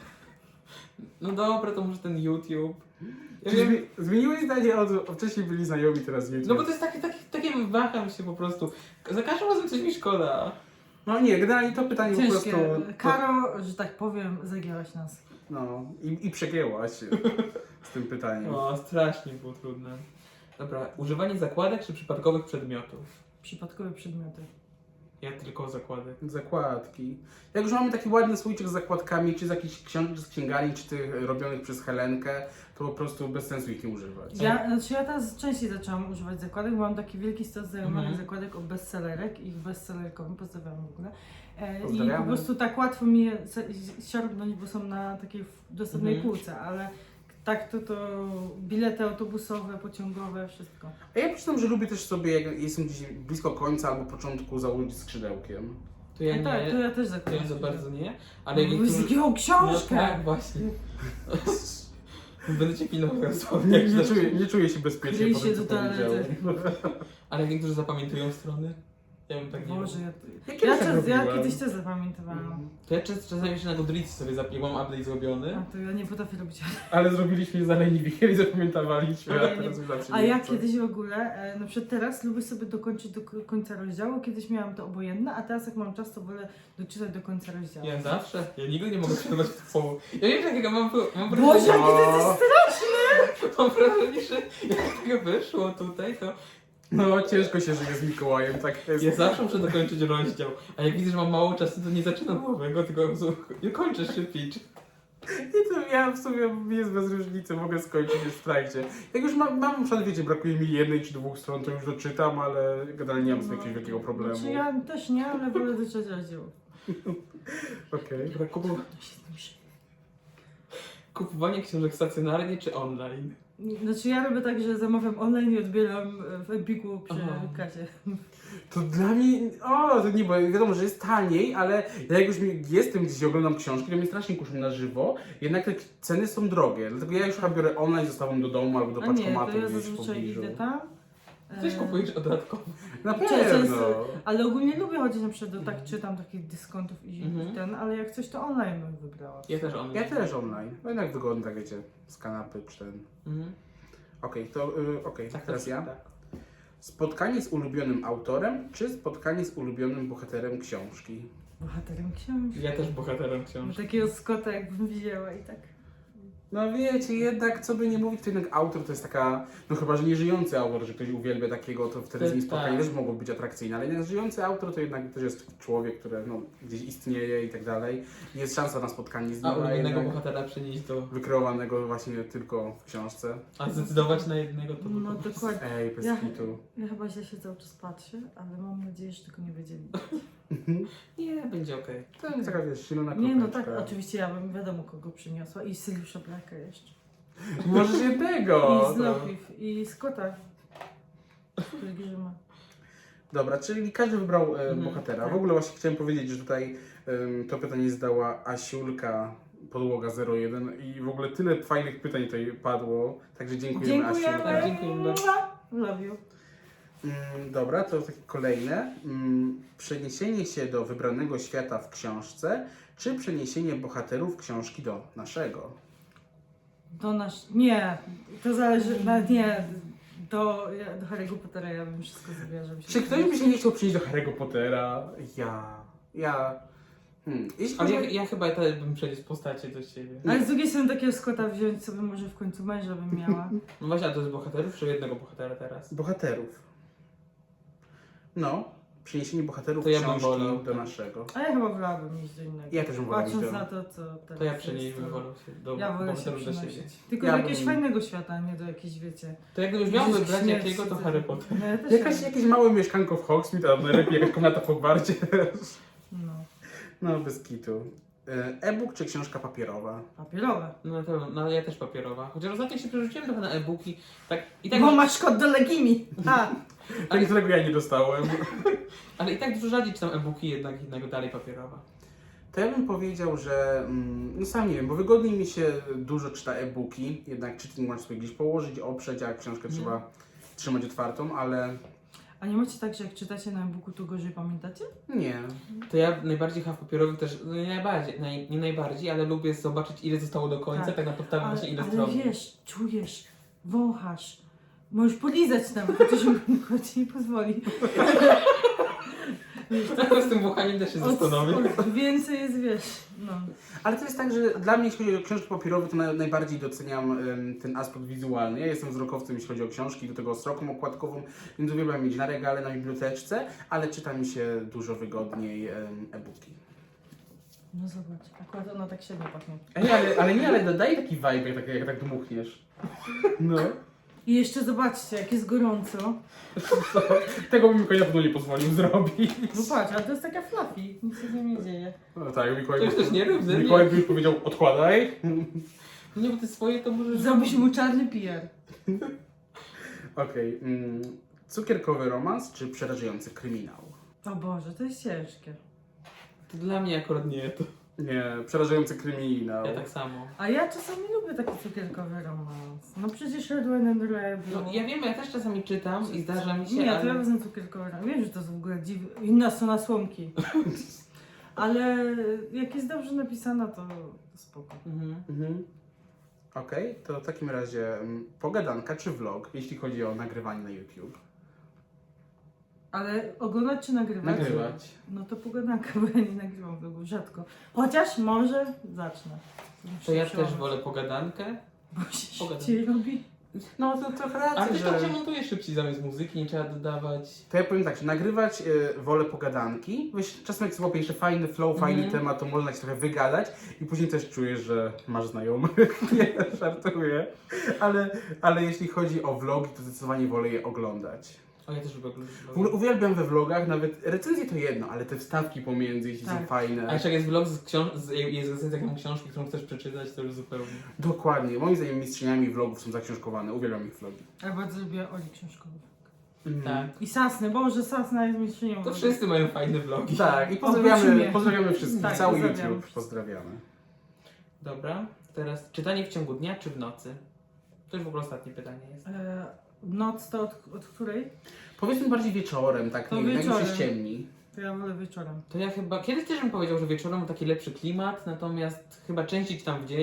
Speaker 2: No dobra, to może ten YouTube. Ja wiem,
Speaker 1: Czyli zmieniłeś zdanie od, od wcześniej byli znajomi, teraz YouTube.
Speaker 2: no bo to jest takie, takie, takie waham się po prostu. Za każdym razem coś mi szkoda.
Speaker 1: No nie, generalnie to pytanie po
Speaker 3: Ciężkie.
Speaker 1: prostu... To,
Speaker 3: Karo, że tak powiem, zagięłaś nas.
Speaker 1: no, i, i przegięłaś z tym pytaniem.
Speaker 2: O, strasznie było trudne. Dobra, używanie zakładek czy przypadkowych przedmiotów?
Speaker 3: Przypadkowe przedmioty.
Speaker 2: Ja tylko zakładek.
Speaker 1: Zakładki. Jak już mamy taki ładny słoiczek z zakładkami, czy z jakichś książek, czy z księgarni, czy tych robionych przez Helenkę, to po prostu bez sensu ich nie używać.
Speaker 3: Ja, znaczy ja teraz częściej zaczęłam używać zakładek, bo mam taki wielki stos znajomych
Speaker 2: Mhm.
Speaker 3: zakładek o bestsellerek i bestsellerkowym, pozdrawiam w ogóle. E, I
Speaker 1: Pozdrawiamy.
Speaker 3: po prostu tak łatwo mi je se- siorbnąć, bo są na takiej w- dostępnej
Speaker 2: Mhm.
Speaker 3: półce, ale tak to to bilety autobusowe, pociągowe, wszystko.
Speaker 1: A ja przyznam, że lubię też sobie, jak jestem gdzieś blisko końca albo początku, założyć skrzydełkiem.
Speaker 2: To ja
Speaker 3: No tak,
Speaker 2: nie,
Speaker 3: to ja też
Speaker 2: to
Speaker 3: zakładam.
Speaker 2: ja za bardzo nie, ale
Speaker 3: Ale
Speaker 2: jak
Speaker 3: no,
Speaker 2: niektórzy...
Speaker 3: jakiego
Speaker 2: No
Speaker 3: książkę!
Speaker 2: tak, właśnie. Będę cię pilnował dosłownie.
Speaker 1: Nie, nie, czuję, nie czuję się bezpiecznie
Speaker 3: Kryj
Speaker 1: po
Speaker 3: się
Speaker 1: tym, co
Speaker 3: do toalety.
Speaker 1: powiedziałem.
Speaker 2: Ale jak niektórzy zapamiętują strony, ja bym tak nie
Speaker 3: Boże,
Speaker 2: robił.
Speaker 3: ja,
Speaker 1: Ja
Speaker 3: ja,
Speaker 1: kiedyś tak
Speaker 3: czas, ja
Speaker 1: robiłem.
Speaker 3: kiedyś też zapamiętowałam.
Speaker 2: To ja czas, czasami jeszcze na Goodreads sobie zapiłam update zrobiony.
Speaker 3: A to ja nie potrafię robić.
Speaker 1: Ale zrobiliśmy za leniwi, kiedyś zapamiętawaliśmy,
Speaker 3: Ale
Speaker 1: a
Speaker 3: nie-
Speaker 1: teraz już zawsze
Speaker 3: A
Speaker 1: nie
Speaker 3: ja
Speaker 1: chcę.
Speaker 3: kiedyś w ogóle, e, na przykład teraz lubię sobie dokończyć do k- końca rozdziału, kiedyś miałam to obojętne, a teraz jak mam czas, to wolę doczytać do końca rozdziału.
Speaker 2: Ja zawsze, ja nigdy nie mogę przeczytać w połowie. Ja wiem, że jak ja mam, mam
Speaker 3: Boże,
Speaker 2: wrażenie,
Speaker 3: jaki ty jesteś
Speaker 2: mam wrażenie, że jak tego wyszło tutaj, to
Speaker 1: No, ciężko się żyje z Mikołajem, tak jest.
Speaker 2: ja zawsze muszę dokończyć rozdział. A jak widzę, że mam mało czasu, to nie zaczynam nowego, tylko po prostu nie kończę szybciej.
Speaker 1: I to ja w sumie mi jest bez różnicy, mogę skończyć już w trakcie. Jak już mam, mam na przykład, wiecie, brakuje mi jednej czy dwóch stron, to już doczytam, ale generalnie nie mam z tym jakiegoś wielkiego problemu.
Speaker 3: Znaczy ja też nie, ale wolę doczytać rozdział.
Speaker 1: Okej.
Speaker 2: Dobra, kupu... Kupowanie książek stacjonarnie czy online?
Speaker 3: Znaczy ja robię tak, że zamawiam online i odbieram w Empiku przy
Speaker 2: Aha.
Speaker 3: kasie.
Speaker 1: To dla mnie, o, to nie, bo wiadomo, że jest taniej, ale ja jak już mi- jestem gdzieś i oglądam książki, to mnie strasznie kuszą na żywo, jednak te ceny są drogie, dlatego ja już chyba biorę online, zostawiam do domu albo do
Speaker 3: A nie,
Speaker 1: paczkomatu
Speaker 3: to ja
Speaker 1: gdzieś w
Speaker 3: zazwyczaj
Speaker 1: pobliżu.
Speaker 3: idę tam.
Speaker 2: Coś
Speaker 3: e,
Speaker 2: kupujesz dodatkowo.
Speaker 1: Na
Speaker 3: Często
Speaker 1: pewno.
Speaker 3: jest- Ale ogólnie lubię chodzić na przykład do tak czytam takich dyskontów i
Speaker 2: Mhm.
Speaker 3: ten, ale jak coś to online bym wybrała.
Speaker 2: Ja też online.
Speaker 1: Ja też online, bo jednak wygodnie, tak wiecie, z kanapy czy ten.
Speaker 2: Mhm.
Speaker 1: Okej, to y, okej,
Speaker 2: Tak,
Speaker 1: teraz
Speaker 2: tak,
Speaker 1: ja.
Speaker 2: tak.
Speaker 1: Spotkanie z ulubionym autorem, czy spotkanie z ulubionym bohaterem książki?
Speaker 3: Bohaterem książki.
Speaker 2: Ja też bohaterem
Speaker 3: Bo
Speaker 2: książki.
Speaker 3: takiego Scotta jakbym widziała i tak.
Speaker 1: No wiecie, jednak co by nie mówić, to jednak autor to jest taka, no chyba, że nie żyjący autor, że ktoś uwielbia takiego, to wtedy z nim
Speaker 2: Tak.
Speaker 1: spotkanie też mogło być atrakcyjne, ale jednak żyjący autor to jednak też jest człowiek, który no, gdzieś istnieje i tak dalej. Jest szansa na spotkanie z
Speaker 2: A
Speaker 1: nim, a
Speaker 2: ulubionego
Speaker 1: jednak
Speaker 2: bohatera przenieść do...
Speaker 1: wykreowanego właśnie tylko w książce.
Speaker 2: A zdecydować na jednego to by
Speaker 3: No
Speaker 2: było-
Speaker 3: dokładnie.
Speaker 1: Ej, bez
Speaker 3: Ja-
Speaker 1: kitu.
Speaker 3: Ja chyba źle się cały czas patrzę, ale mam nadzieję, że tego nie będzie widać.
Speaker 2: Nie, będzie okej.
Speaker 1: To jest taka, wiesz, silna
Speaker 3: Nie no tak,
Speaker 1: kropeczka.
Speaker 3: oczywiście ja bym wiadomo kogo przyniosła i Syriusza Blacka jeszcze.
Speaker 1: Możesz jednego!
Speaker 3: I z
Speaker 1: to-
Speaker 3: Lochif, i Scotta. Który grzyma.
Speaker 1: Dobra, czyli każdy wybrał e,
Speaker 2: Mhm,
Speaker 1: bohatera.
Speaker 3: tak.
Speaker 1: W ogóle właśnie chciałem powiedzieć, że tutaj em, to pytanie zadała Asiulka Podłoga zero jeden i w ogóle tyle fajnych pytań tutaj padło, także dziękujemy,
Speaker 3: Dziękujemy!
Speaker 1: Asiu.
Speaker 2: Dziękujemy bardzo.
Speaker 3: Love you.
Speaker 1: Mm, dobra, to takie kolejne. Mm, przeniesienie się do wybranego świata w książce, czy przeniesienie bohaterów książki do naszego?
Speaker 3: Do nasz... Nie, to zależy, nawet nie, do, ja- do Harry'ego Pottera ja bym wszystko zrobiła, żeby się...
Speaker 1: Czy ktoś by się nie chciał przynieść do Harry'ego Pottera? Ja. Ja. Hmm. Jeśli
Speaker 2: Ale
Speaker 1: chodzi
Speaker 2: ja, ja chyba też bym przeniósł postacie do siebie.
Speaker 3: Ale z drugiej strony takiego Scotta wziąć sobie może w końcu męża bym miała.
Speaker 2: No właśnie, a to jest bohaterów, czy jednego bohatera teraz?
Speaker 1: bohaterów. No, przeniesienie bohaterów
Speaker 2: To ja bym
Speaker 1: książki
Speaker 2: wolał,
Speaker 1: do
Speaker 2: tak.
Speaker 1: naszego.
Speaker 3: A ja chyba wolałabym iść do innego.
Speaker 1: Ja też bym wolał iść
Speaker 3: Patrząc
Speaker 1: do-
Speaker 3: na to, co teraz
Speaker 2: To ja
Speaker 3: jest,
Speaker 2: przenieśmy
Speaker 3: to-
Speaker 2: wolę się do
Speaker 3: Ja wolę się
Speaker 2: bohaterów do siebie.
Speaker 3: przenosić. Tylko
Speaker 1: Ja
Speaker 3: do jakiegoś
Speaker 1: bym-
Speaker 3: fajnego świata, a nie do jakiejś, wiecie...
Speaker 2: To jak gdybyś miał
Speaker 3: Gdzieś
Speaker 2: wybrać
Speaker 3: śmierci,
Speaker 2: jakiego, to
Speaker 3: coś.
Speaker 2: Harry Potter.
Speaker 3: No, ja też
Speaker 1: Jakaś,
Speaker 3: tak.
Speaker 1: jakieś małe mieszkanko w Hogsmeade, a najlepiej jakaś komnata w Hogwarcie.
Speaker 3: No,
Speaker 1: No, bez kitu. E, E-book czy książka papierowa?
Speaker 3: papierowe.
Speaker 2: No, to, no ja też papierowa. Chociaż ostatnio się przerzuciłem trochę na e-booki. Tak, i tak,
Speaker 3: Bo masz kod do Legimi. A,
Speaker 1: Tak, którego ja nie dostałem.
Speaker 2: ale i tak dużo rzadziej czytam e-booki, jednak innego dalej papierowa.
Speaker 1: To ja bym powiedział, że mm, no sam nie wiem, bo wygodniej mi się dużo czyta e-booki, jednak czytnik można sobie gdzieś położyć, oprzeć, a książkę
Speaker 2: Mhm.
Speaker 1: trzeba trzymać otwartą, ale
Speaker 3: a nie macie tak, że jak czytacie na e-booku, to gorzej pamiętacie?
Speaker 1: nie.
Speaker 2: To ja najbardziej chyba w papierowym też, no nie najbardziej, naj, nie najbardziej, ale lubię zobaczyć ile zostało do końca, tak,
Speaker 3: Tak.
Speaker 2: na podstawie
Speaker 3: Ale,
Speaker 2: właśnie ile
Speaker 3: ale
Speaker 2: stron.
Speaker 3: wiesz, czujesz, wąchasz. Możesz polizać nawet, chociaż mi ci nie pozwoli.
Speaker 2: Z tym włochaniem też się
Speaker 3: Od,
Speaker 2: zastanowię.
Speaker 3: od więcej jest, wiesz, no.
Speaker 1: Ale to jest tak, że dla mnie, jeśli chodzi o książki papierowe, to na, najbardziej doceniam em, ten aspekt wizualny. Ja jestem wzrokowcem, jeśli chodzi o książki, do tego sroką okładkową, więc uwielbiam mieć na regale, na biblioteczce, ale czyta mi się dużo wygodniej em, e-booki.
Speaker 3: No zobacz, akurat ona tak średnio pachnie.
Speaker 1: Ej, ale, ale nie, ale daje taki vibe, jak, tak- jak tak dmuchniesz. No.
Speaker 3: I jeszcze zobaczcie, jak jest gorąco.
Speaker 1: To, tego bym Mikołaj na pewno nie pozwolił zrobić.
Speaker 3: No patrz, ale to jest taka fluffy, nic się z nią nie dzieje.
Speaker 1: No tak, Mikołaj,
Speaker 2: To jest też nierówny,
Speaker 1: Mikołaj
Speaker 2: nie?
Speaker 1: by już powiedział, odkładaj.
Speaker 2: No nie, bo ty swoje to możesz...
Speaker 3: Zrobisz mu czarny P R.
Speaker 1: Okej. mm, cukierkowy romans czy przerażający kryminał?
Speaker 3: O Boże, to jest ciężkie.
Speaker 2: To dla mnie akurat nie, to
Speaker 1: Nie, przerażający kryminał.
Speaker 2: ja tak samo.
Speaker 3: A ja czasami lubię taki cukierkowy romans. No przecież Red Wine and Rebel.
Speaker 2: No ja wiem, ja też czasami czytam i zdarza mi się,
Speaker 3: Nie, to
Speaker 2: ale...
Speaker 3: ja wezmę cukierkowy romans. Wiem, że to jest w ogóle dziw... inna strona słomki. Ale jak jest dobrze napisana, to spoko.
Speaker 2: Mhm.
Speaker 1: Mhm. Okej, to w takim razie mm, pogadanka czy vlog, jeśli chodzi o nagrywanie na YouTube?
Speaker 3: Ale oglądać czy nagrywać?
Speaker 1: Nagrywać.
Speaker 3: No to pogadanka, bo ja nie nagrywam vlogów rzadko. Chociaż może zacznę.
Speaker 2: To ja
Speaker 3: Przełamać.
Speaker 2: też wolę pogadankę.
Speaker 3: Bo się
Speaker 2: Pogadam.
Speaker 3: szybciej robi.
Speaker 1: No to trochę
Speaker 2: Ale
Speaker 1: racji,
Speaker 2: też tak się
Speaker 1: że...
Speaker 2: montuje szybciej zamiast muzyki, nie trzeba dodawać.
Speaker 1: To ja powiem tak, że nagrywać y, wolę pogadanki. Wiesz, czasem jak złapię jeszcze fajny flow, fajny
Speaker 2: Mhm.
Speaker 1: temat, to można się trochę wygadać i później też czujesz, że masz znajomych. Nie, żartuję. Ale, ale jeśli chodzi o vlogi, to zdecydowanie wolę je oglądać.
Speaker 2: O, ja też lubię oglądać
Speaker 1: W ogóle
Speaker 2: vlogi.
Speaker 1: uwielbiam we vlogach, nawet recenzje to jedno, ale te wstawki pomiędzy, jeśli są
Speaker 3: Tak.
Speaker 1: fajne.
Speaker 2: A jeszcze jak jest vlog z książ- z, jest recenzja jaką książki, którą chcesz przeczytać, to już zupełnie.
Speaker 1: Dokładnie. Moim zdaniem mistrzyniami vlogów są zaksiążkowane. Uwielbiam ich vlogi.
Speaker 3: Ja bardzo lubię Oli książkowych.
Speaker 2: Tak.
Speaker 3: I Sasny, Boże, Sasna jest mistrzynią.
Speaker 2: To
Speaker 3: vlogów.
Speaker 2: wszyscy mają fajne vlogi.
Speaker 1: Tak, i
Speaker 3: Oprócz
Speaker 1: pozdrawiamy,
Speaker 3: mnie.
Speaker 1: pozdrawiamy wszystkich,
Speaker 3: Tak,
Speaker 1: cały
Speaker 3: pozdrawiamy.
Speaker 1: YouTube pozdrawiamy.
Speaker 2: Dobra, teraz czytanie w ciągu dnia czy w nocy? To już w ogóle ostatnie pytanie jest.
Speaker 3: E, noc to od, od której?
Speaker 1: Powiedzmy bardziej wieczorem, tak,
Speaker 3: To
Speaker 1: nie wiem, jak już się
Speaker 3: wieczorem.
Speaker 1: ściemni.
Speaker 3: To ja wolę wieczorem.
Speaker 2: To ja chyba, kiedyś też bym powiedział, że wieczorem ma taki lepszy klimat, natomiast chyba częściej czytam w dzień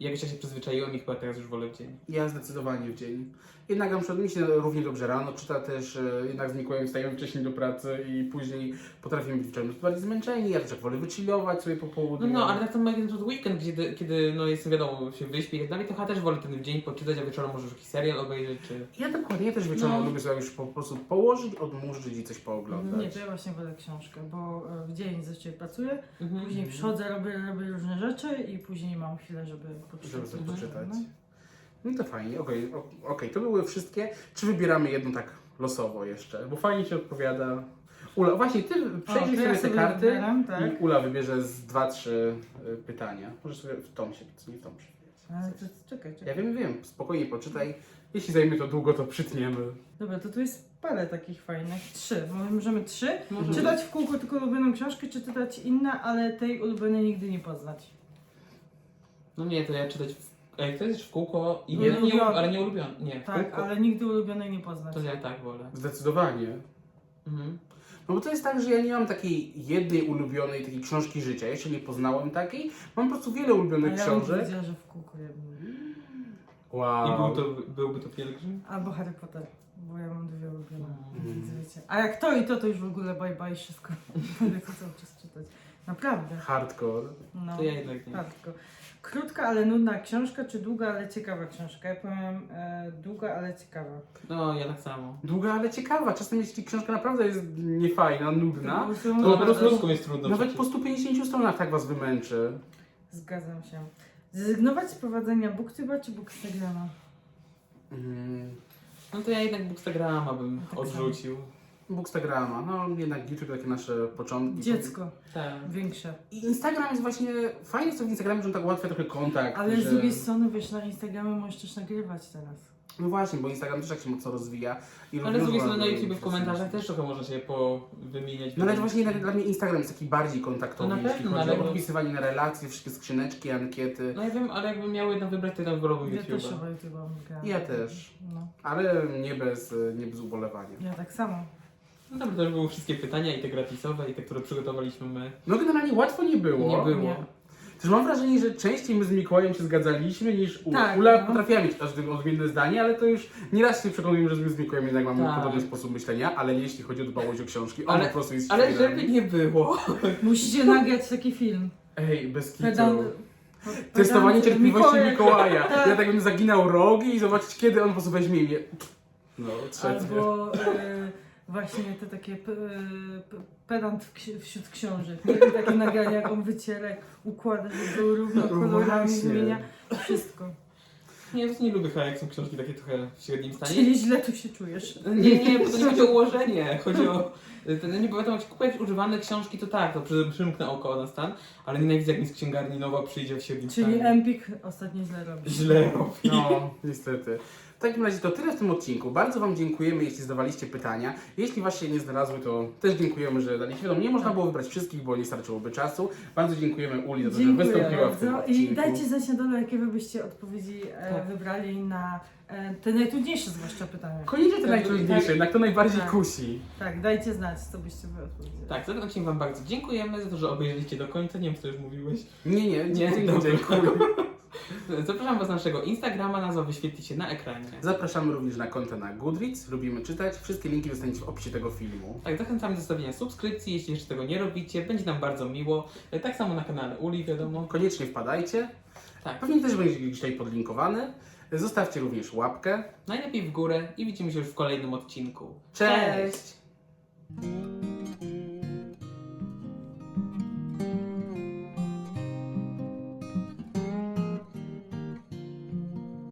Speaker 2: jakoś ja się przyzwyczaiłem i chyba teraz już wolę w dzień.
Speaker 1: Ja zdecydowanie w dzień. Jednak na przykład mi się równie dobrze rano czyta też, e, jednak z Mikołajem wstajemy wcześniej do pracy i później potrafimy być wieczorem bardziej zmęczeni, ja też jak wolę wychillować sobie po
Speaker 2: No,
Speaker 1: południu.
Speaker 2: no, ale tak samo jak na przykład weekend, kiedy, kiedy no jestem wiadomo, się wyśpię i tak dalej, to chyba też wolę ten dzień poczytać, a wieczorem może już jakiś serial obejrzeć, czy...
Speaker 1: Ja dokładnie, ja też wieczorem
Speaker 2: No.
Speaker 1: lubię sobie już po prostu położyć, odmurzyć i coś pooglądać.
Speaker 3: Nie, to ja właśnie wolę książkę, bo e, w dzień zazwyczaj pracuję,
Speaker 2: Mhm.
Speaker 3: później przychodzę, robię, robię różne rzeczy i później mam chwilę, żeby poczytać.
Speaker 1: Żeby sobie
Speaker 3: coś.
Speaker 1: poczytać.
Speaker 3: No.
Speaker 1: No to fajnie, okej, o- okej, to były wszystkie. Czy wybieramy jedną tak losowo jeszcze? Bo fajnie Ci odpowiada. Ula, właśnie Ty przejrzyj
Speaker 3: to ja
Speaker 1: sobie te
Speaker 3: sobie
Speaker 1: karty
Speaker 3: wybieram, tak.
Speaker 1: i Ula wybierze z dwa, trzy y, pytania. Możesz sobie w tom się, nie w tom się.
Speaker 3: Ale to, czekaj,
Speaker 1: Ja
Speaker 3: czekaj.
Speaker 1: wiem, wiem, spokojnie poczytaj. Jeśli zajmie to długo, to przytniemy.
Speaker 3: Dobra, to tu jest parę takich fajnych. Trzy. Mo- Możemy trzy.
Speaker 2: Możemy.
Speaker 3: Czytać w kółko tylko ulubioną książkę, czy czytać inne, ale tej ulubionej nigdy nie poznać.
Speaker 2: No nie, to ja czytać w... Ej, to jest w kółko, i
Speaker 3: Nie
Speaker 2: nie, nie,
Speaker 3: ulubione.
Speaker 2: ale nie ulubiony. Nie, w
Speaker 3: Tak,
Speaker 2: kółko.
Speaker 3: ale nigdy ulubionej nie poznać.
Speaker 2: To ja tak wolę.
Speaker 1: Zdecydowanie.
Speaker 2: Mhm.
Speaker 1: No bo to jest tak, że ja nie mam takiej jednej ulubionej takiej książki życia. Jeszcze nie poznałem takiej. Mam po prostu wiele
Speaker 3: A
Speaker 1: ulubionych
Speaker 3: ja bym
Speaker 1: książek.
Speaker 3: powiedziała, że w kółko jednym.
Speaker 1: Wow.
Speaker 2: I był to, byłby to pielgrzym?
Speaker 3: Albo Harry Potter, bo ja mam dwie ulubione.
Speaker 1: Mm.
Speaker 3: Więc wiecie. A jak to i to, to już w ogóle bye bye wszystko. Będę to cały czas czytać. Naprawdę.
Speaker 1: Hardcore.
Speaker 3: No.
Speaker 2: To ja jednak nie.
Speaker 3: Tak, tylko krótka, ale nudna książka, czy długa, ale ciekawa książka? Ja powiem e, długa, ale ciekawa.
Speaker 2: No, ja tak samo.
Speaker 1: Długa, ale ciekawa. Czasem jeśli książka naprawdę jest niefajna, nudna,
Speaker 3: Po prostu
Speaker 2: No, po prostu
Speaker 3: naprawdę-
Speaker 2: ludzką jest trudno
Speaker 1: nawet
Speaker 2: przecież.
Speaker 1: po stu pięćdziesięciu stronach tak was wymęczy.
Speaker 3: Zgadzam się. Zrezygnować z prowadzenia booktuba czy bookstagrama?
Speaker 1: Mm.
Speaker 2: No to ja jednak Bookstagrama bym
Speaker 3: Tak
Speaker 2: odrzucił.
Speaker 1: Bookstagrama, no jednak YouTube takie nasze początki.
Speaker 3: Dziecko,
Speaker 2: Tak.
Speaker 3: większe.
Speaker 1: I Instagram jest właśnie, fajnie jest to w Instagramie, że on tak ułatwia trochę kontakt.
Speaker 3: Ale
Speaker 1: że...
Speaker 3: z drugiej strony, wiesz, na Instagramie możesz też nagrywać teraz.
Speaker 1: No właśnie, bo Instagram też tak się mocno rozwija. I
Speaker 2: Ale z drugiej strony na
Speaker 1: rozwiązuje
Speaker 2: YouTube w
Speaker 1: kwestie.
Speaker 2: komentarzach też trochę można się powymieniać.
Speaker 1: No ale właśnie jednak dla mnie Instagram jest taki bardziej kontaktowy,
Speaker 2: No na
Speaker 1: jeśli
Speaker 2: pewno,
Speaker 1: chodzi
Speaker 2: ale-
Speaker 1: o podpisywanie na relacje, wszystkie skrzyneczki, ankiety.
Speaker 2: No ja wiem, ale jakbym miał jedno wybrać, to jednak wybrałbym
Speaker 3: Ja też
Speaker 2: YouTube'a.
Speaker 3: chyba YouTube'a wygrałam.
Speaker 1: Ja też.
Speaker 3: No,
Speaker 1: Ale nie bez, nie bez ubolewania.
Speaker 3: ja tak samo.
Speaker 2: No dobra, to już były wszystkie pytania, i te gratisowe, i te, które przygotowaliśmy my.
Speaker 1: No generalnie łatwo nie było.
Speaker 2: Nie było.
Speaker 3: Nie.
Speaker 1: Też mam wrażenie, że częściej my z Mikołajem się zgadzaliśmy niż Ula.
Speaker 3: Tak,
Speaker 1: Ula
Speaker 3: no.
Speaker 1: potrafiła mieć każdy odmienne zdanie, ale to już nieraz się przekonujemy, że my z Mikołajem jednak mamy
Speaker 2: Tak.
Speaker 1: podobny sposób myślenia, ale jeśli chodzi o dbałość o książki, on
Speaker 2: Ale-
Speaker 1: po prostu jest
Speaker 2: Ale
Speaker 1: świrem.
Speaker 2: żeby nie było.
Speaker 3: Musicie nagrać taki film.
Speaker 1: Ej, bez kitu.
Speaker 3: Pedant...
Speaker 1: Testowanie
Speaker 3: pedant-
Speaker 1: cierpliwości
Speaker 3: Mikołaj-
Speaker 1: Mikołaja.
Speaker 3: Tak.
Speaker 1: Ja tak bym zaginał rogi i zobaczyć, kiedy on po prostu weźmie mnie. No, trzecie.
Speaker 3: Albo e, właśnie te takie p, p, pedant w ksi- wśród książek. Nie? Takie nagrania, jak on wyciera, jak układa, żeby był równo
Speaker 1: No
Speaker 3: kolorami,
Speaker 1: właśnie.
Speaker 3: zmienia wszystko.
Speaker 2: Nie, to nie lubię chyba, jak są książki takie trochę w średnim stanie.
Speaker 3: Czyli źle tu się czujesz.
Speaker 2: Nie, nie, bo to nie chodzi o ułożenie. Chodzi o... Ten, nie wiadomo, jak się kupujesz używane książki, to tak, to przy- przymknę oko na stan, ale nienawidzę, jak mi z księgarni nowa przyjdzie w średnim
Speaker 3: Czyli
Speaker 2: stanie.
Speaker 3: Empik ostatnio źle robi.
Speaker 2: Źle robi.
Speaker 1: No, niestety. W takim razie to tyle w tym odcinku. Bardzo Wam dziękujemy, jeśli zadawaliście pytania. Jeśli Was się nie znalazły, to też dziękujemy, że daliście. Wiadomo, nie można było wybrać wszystkich, bo nie starczyłoby czasu. Bardzo dziękujemy Uli za to, że
Speaker 3: Dziękuję
Speaker 1: wystąpiła w tym
Speaker 3: bardzo.
Speaker 1: odcinku.
Speaker 3: I dajcie znać na dole, jakie wy byście odpowiedzi e,
Speaker 2: Tak.
Speaker 3: wybrali na e, te najtrudniejsze zwłaszcza pytania.
Speaker 1: Koniecznie to najtrudniejsze, jednak to najbardziej
Speaker 3: Tak.
Speaker 1: kusi.
Speaker 3: Tak, dajcie znać, co byście wy odpowiedzieli.
Speaker 2: Tak, za ten odcinek Wam bardzo dziękujemy, za to, że obejrzeliście do końca. Nie wiem, co już mówiłeś.
Speaker 1: Nie, nie,
Speaker 2: Nie,
Speaker 1: dziękuję.
Speaker 2: dobra.
Speaker 1: dziękuję.
Speaker 2: Zapraszam Was na naszego Instagrama, nazwa wyświetli się na ekranie.
Speaker 1: Zapraszamy również na konta na Goodreads. Lubimy czytać. Wszystkie linki dostaniecie w opisie tego filmu.
Speaker 2: Tak, zachęcamy do zostawienia subskrypcji, jeśli jeszcze tego nie robicie, będzie nam bardzo miło. Tak samo na kanale Uli, wiadomo.
Speaker 1: Koniecznie wpadajcie.
Speaker 2: Tak,
Speaker 1: Pewnie też będzie gdzieś tutaj podlinkowany. Zostawcie również łapkę.
Speaker 2: najlepiej w górę i widzimy się już w kolejnym odcinku.
Speaker 1: Cześć!
Speaker 2: Cześć.